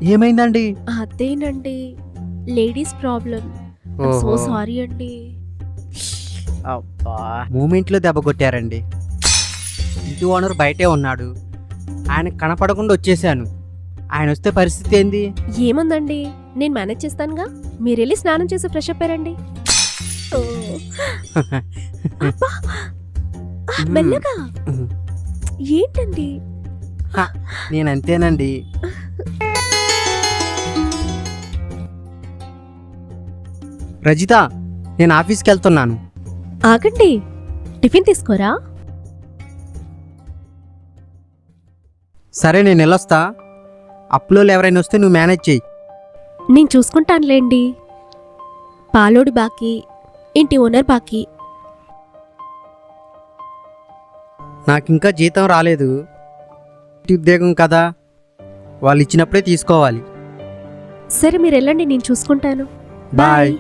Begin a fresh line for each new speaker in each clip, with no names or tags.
ఏమైందండి?
అదేనండి, ladies problem. So
ఓహో!
సారీ అండి.
అబ్బా! మూమెంట్‌లో దెబ్బ కొట్టారండి. ఇంటి ఓనర్ బయటే ఉన్నాడు. ఆయనకి కనపడకుండా వచ్చేసాను. ఆయనొస్తే పరిస్థితి ఏంది?
ఏముందండి, నేను మేనేజ్ చేస్తానుగా. మీరెళ్ళి స్నానం చేసి ఫ్రెష్ అప్ అయ్యారండి. అబ్బా! మెల్లగా.
హ్మ్.
ఏంటండి?
హ! నేనంతేనండి. రజిత, నేను ఆఫీస్‌కెళ్తున్నాను.
ఆగండి, టిఫిన్ తీసుకోరా?
సరే నేనెళ్ళొస్తా. అప్పులోళ్ళు ఎవరైనా వస్తే నువ్వు మేనేజ్ చెయ్యి.
నేను చూసుకుంటానులేండి. పాలోడి బాకీ, ఇంటి ఓనర్ బాకీ.
నాకింకా జీతం రాలేదు. ఇంటి ఉద్యోగం కదా, వాళ్ళు ఇచ్చినప్పుడే తీసుకోవాలి.
సరే మీరు వెళ్ళండి, నేను చూసుకుంటాను.
బాయ్.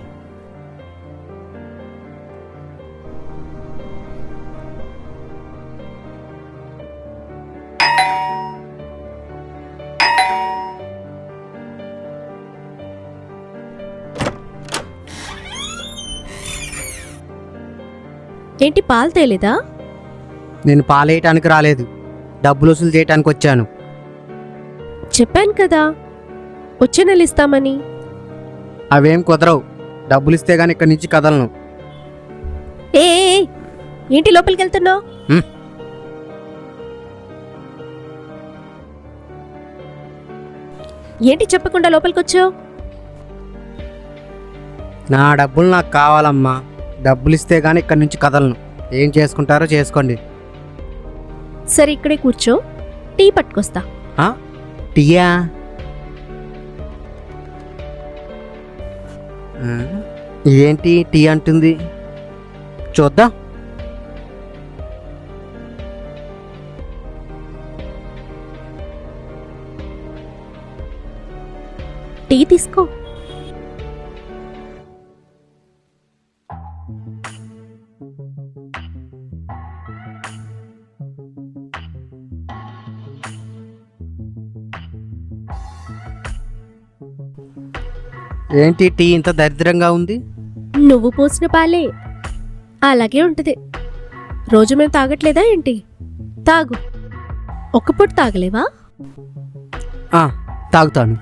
ఏంటి, పాలు తేలేదా?
నేను పాలేయటానికి రాలేదు, డబ్బులు వసూలు చేయటానికి వచ్చాను.
చెప్పాను కదా, వచ్చే నెల ఇస్తామని.
అవేం కుదరవు. డబ్బులు ఇస్తే గానీ ఇక్కడి నుంచి కదలను.
ఏ ఏ, ఏ, ఏంటి లోపలికి వెళ్తున్నావు?
హ్మ్.
ఏంటి చెప్పకుండా లోపలికి వచ్చావు?
నా డబ్బులు నాకు కావాలమ్మా. డబ్బులు ఇస్తే గానీ ఇక్కడి నుంచి కదలను. ఏం చేసుకుంటారో చేసుకోండి.
సరే ఇక్కడే కూర్చో, టీ పట్టుకొస్తా.
ఆ? టీయా? ఏంటి టీ అంటుంది? చూద్దాం.
టీ తీసుకో.
ఏంటి టీ ఇంత దరిద్రంగా ఉంది?
నువ్వు పోసిన పాలే అలాగే ఉంటది. రోజు మేము తాగట్లేదా ఏంటి? తాగు. ఒక్క పూట తాగలేవా?
ఆ, తాగుతాను.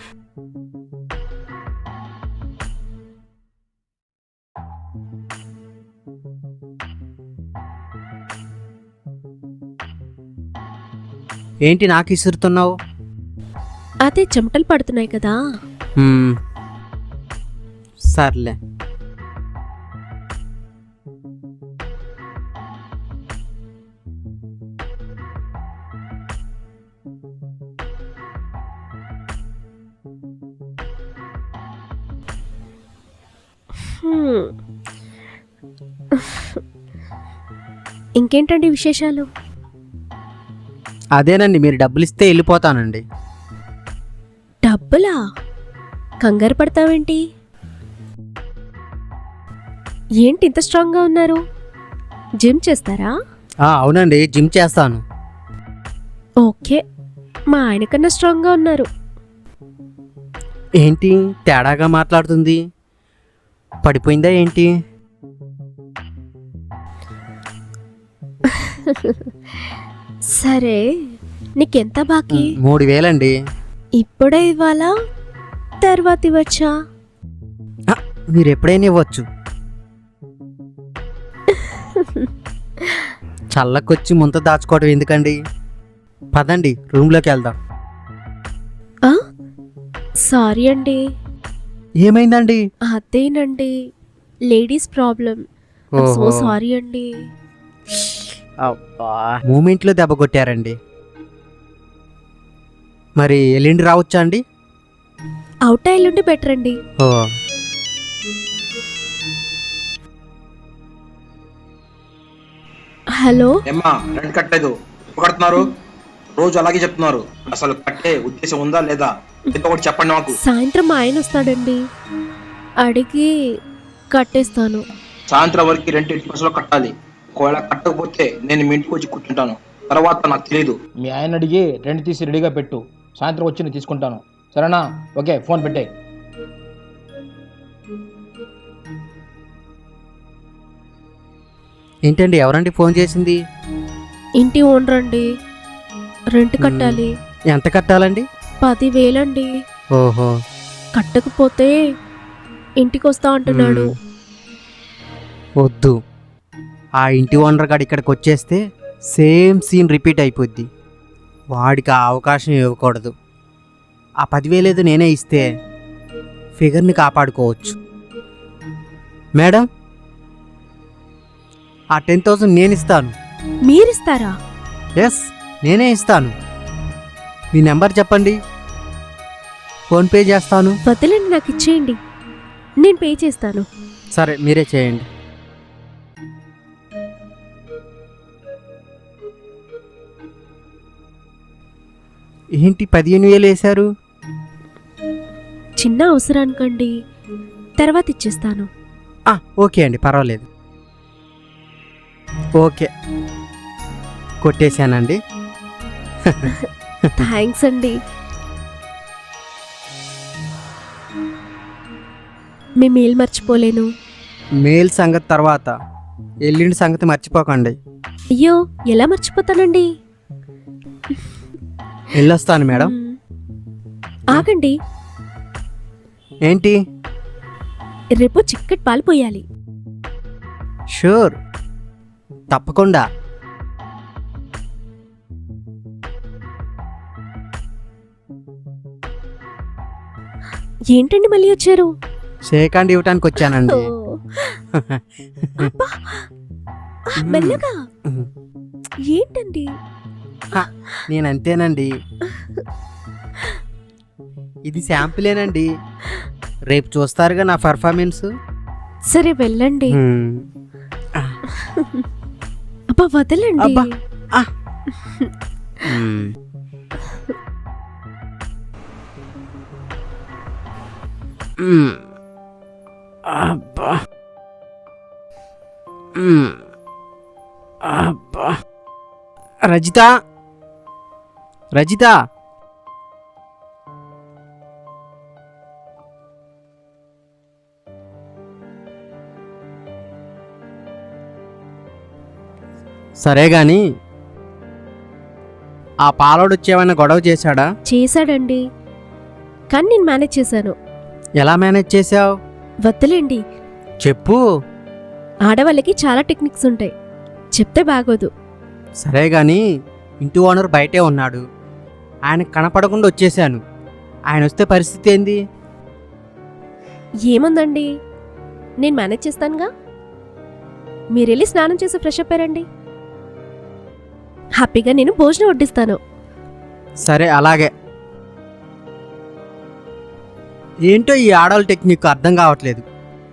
ఏంటి నాకు ఇసురుతున్నావు?
అదే చెమటలు పడుతున్నాయి కదా.
సర్లే.
హ్మ్. ఇంకేంటండి విశేషాలు?
అదేనండి, మీరు డబ్బులు ఇస్తే వెళ్ళిపోతానండి.
డబ్బులా? కంగారు పడతావేంటి? ఏంటి ఇంత స్ట్రాంగ్గా ఉన్నారు? జిమ్ చేస్తారా?
అవునండి, జిమ్ చేస్తాను.
ఓకే, మా ఆయన కన్నా స్ట్రాంగ్గా ఉన్నారు.
ఏంటి తేడాగా మాట్లాడుతుంది? పడిపోయిందా ఏంటి?
సరే, నీకెంత బాకీ?
3000
ఇప్పుడే ఇవ్వాలా, తర్వాత ఇవ్వచ్చా?
మీరు ఎప్పుడైనా ఇవ్వచ్చు. చల్లకొచ్చి ముంత దాచుకోవడం ఎందుకండి? పదండి, రూమ్లోకి వెళ్దాం.
సారీ అండి.
ఏమైందండి?
అదేనండి, లేడీస్ ప్రాబ్లం. సో
ఓహో!
సారీ అండి.
అబ్బా! మూమెంట్లో దెబ్బ కొట్టారండి. మరి ఎల్లుండి రావచ్చా అండి?
అవుట్ అయ్యుండి బెటర్ అండి.
ఓ,
హలో,
ఏమ్మా రెంట్ కట్టలేదు, ఎప్పుడు కడుతున్నారు? రోజు అలాగే చెప్తున్నారు. అసలు కట్టే ఉద్దేశం ఉందా లేదా? ఏదో ఒకటి చెప్పండి నాకు.
సాయంత్రం మా ఆయన వస్తాడండి, అడిగి కట్టేస్తాను.
సాయంత్రం వరకు రెంట్ 80% కట్టాలి. ఒకవేళ కట్టకపోతే నేను మీ ఇంటికి వచ్చి కూర్చుంటాను. తర్వాత నాకు తెలియదు. మీ ఆయన అడిగి రెంట్ తీసి రెడీగా పెట్టు. సాయంత్రం వచ్చి నేను తీసుకుంటాను.
సరేనా? ఓకే, ఫోన్ పెట్టే.
ఏంటండి ఎవరండి ఫోన్ చేసింది?
ఇంటి ఓనర్ అండి. రెంట్ కట్టాలి.
ఎంత కట్టాలండి?
10,000 అండి.
ఓహో.
కట్టకపోతే ఇంటికి వస్తా అంటున్నాడు.
వద్దు, ఆ ఇంటి ఓనర్ గారు ఇక్కడికి వచ్చేస్తే సేమ్ సీన్ రిపీట్ అయిపోద్ది. వాడికి ఆ అవకాశం ఇవ్వకూడదు. ఆ 10,000 ఏదో నేనే ఇస్తే ఫిగర్ని కాపాడుకోవచ్చు. మేడం, ఆ 10,000 నేను ఇస్తాను.
మీరిస్తారా?
ఎస్, నేనే ఇస్తాను. మీ నెంబర్ చెప్పండి, ఫోన్పే చేస్తాను.
వదిలేండి, నాకు ఇచ్చేయండి, నేను పే చేస్తాను.
సరే, మీరే చేయండి. ఏంటి 15,000 వేశారు?
చిన్న అవసరానికండి, తర్వాత ఇచ్చేస్తాను.
ఓకే అండి, పర్వాలేదు. ఓకే, కొట్టేశానండి.
థ్యాంక్స్ అండి. మీ మెయిల్ మర్చిపోలేను.
మెయిల్ సంగతి తర్వాత, ఎల్లుండి సంగతి మర్చిపోకండి.
అయ్యో, ఎలా మర్చిపోతానండి?
వెళ్ళొస్తాను మేడం.
ఆగండి,
ఏంటి?
రేపు చిక్కటి పాలు పోయాలి.
షూర్, తప్పకుండా.
ఏంటండి మళ్ళీ వచ్చారు?
షేక్ హ్యాండ్ ఇవ్వటానికి వచ్చానండి.
ఓ, అబ్బా, మెల్లగా. ఏంటండి?
నేనంతేనండి. ఇది శాంపులేనండి, రేపు చూస్తారుగా నా పర్ఫార్మెన్స్.
సరే వెళ్ళండి. అబ్బా వదలండి.
అబ్బా. అబ్బా. అబ్బా. రజిత, రజిత, సరే గాని ఆ పాలోడు వచ్చేమైనా గొడవ చేశాడా?
చేశాడండి, కానీ నేను మేనేజ్ చేశాను.
ఎలా మేనేజ్ చేసావు?
వద్దులేండి,
చెప్పు.
ఆడవాళ్ళకి చాలా టెక్నిక్స్ ఉంటాయి, చెప్తే బాగోదు.
సరే గాని ఇంటి ఓనర్ బయటే ఉన్నాడు, ఆయన కనపడకుండా వచ్చేసాను. ఆయన వస్తే పరిస్థితి ఏంది?
ఏముందండి, నేను మేనేజ్ చేస్తానుగా. మీరెళ్ళి స్నానం చేసి ఫ్రెష్ అప్ అయ్యారండి, హ్యాపీగా నేను భోజనం వడ్డిస్తాను.
సరే, అలాగే. ఏంటో ఈ ఆడవాళ్ళ టెక్నిక్ అర్థం కావట్లేదు.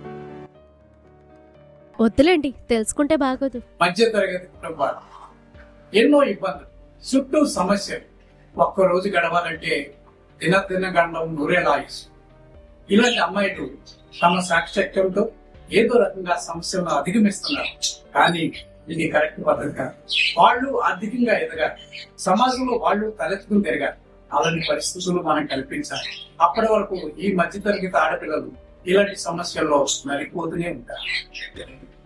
వద్దులేండి, తెలుసుకుంటే బాగోదు.
మధ్య తరగతి కుటుంబాలు, ఎన్నో ఇబ్బందులు, చుట్టూ సమస్యలు. ఒక్కరోజు గడవాలంటే దినదిన గండం నూరేలాయుసు. ఇలాంటి అమ్మాయిలు తమ సాక్షక్యంతో ఏదో రకంగా సమస్యలను అధిగమిస్తున్నారు. కానీ ఇది కరెక్ట్ పద్ధతి కాదు. వాళ్ళు ఆర్థికంగా ఎదగాలి, సమాజంలో వాళ్ళు తలెత్తుకుని తిరగాలి. అలాంటి పరిస్థితులు మనం కల్పించాలి. అప్పటి వరకు ఈ మధ్యతరగతి ఆడపిల్లలు ఇలాంటి సమస్యల్లో నలిపోతూనే ఉంటారు.